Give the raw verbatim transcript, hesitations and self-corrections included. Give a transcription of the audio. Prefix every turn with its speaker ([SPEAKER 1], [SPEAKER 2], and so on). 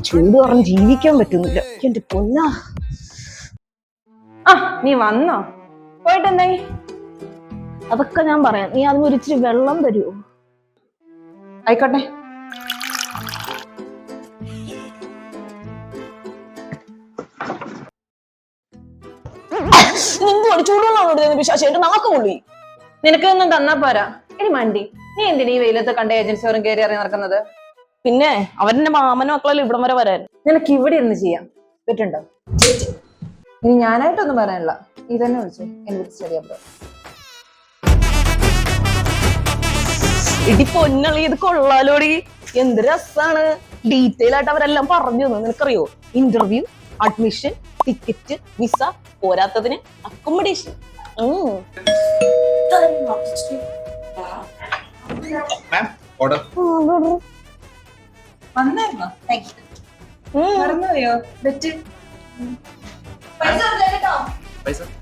[SPEAKER 1] ചൂട് കാരണം ജീവിക്കാൻ പറ്റുന്നില്ല. എന്റെ പൊന്നാ.
[SPEAKER 2] ആ നീ വന്നോ? പോയിട്ട് എന്തായി?
[SPEAKER 1] അതൊക്കെ ഞാൻ പറയാം. നീ അതിന് ഒരു ഇച്ചിരി വെള്ളം തരുമോ?
[SPEAKER 2] ആയിക്കോട്ടെ.
[SPEAKER 1] ചൂടുവെള്ളം നാക്ക് പൊള്ളി.
[SPEAKER 2] നിനക്കൊന്നും തന്നാ പോരാ. ഇനി മണ്ടി, നീ എന്തിനാ ഈ വെയിലത്ത് കണ്ട ഏജൻസിയോറും കയറി ഇറങ്ങി നടക്കുന്നത്?
[SPEAKER 1] പിന്നെ അവന്റെ മാമനും മക്കളല്ലേ ഇവിടം വരെ വരാൻ.
[SPEAKER 2] നിനക്ക് ഇവിടെ ഇരുന്ന് ചെയ്യാം പറ്റുണ്ടോ? ഇനി ഞാനായിട്ടൊന്നും പറയാനില്ല, നീ തന്നെ വിളിച്ചു എന്നെ സ്റ്റഡി ബ്രോ.
[SPEAKER 1] ഇടി പൊന്നളി, ഇത് കൊള്ളാലോടി. എന്ത് രസാണ്. ഡീറ്റെയിൽ ആയിട്ട് അവരെല്ലാം പറഞ്ഞു തന്നു. നിനക്കറിയോ? ഇന്റർവ്യൂ, അഡ്മിഷൻ, ടിക്കറ്റ്, വിസ, പോരാത്തതിന് അക്കോമഡേഷൻ.
[SPEAKER 2] വന്നായിരുന്നോ? മറന്നുപോയോ?
[SPEAKER 3] പൈസ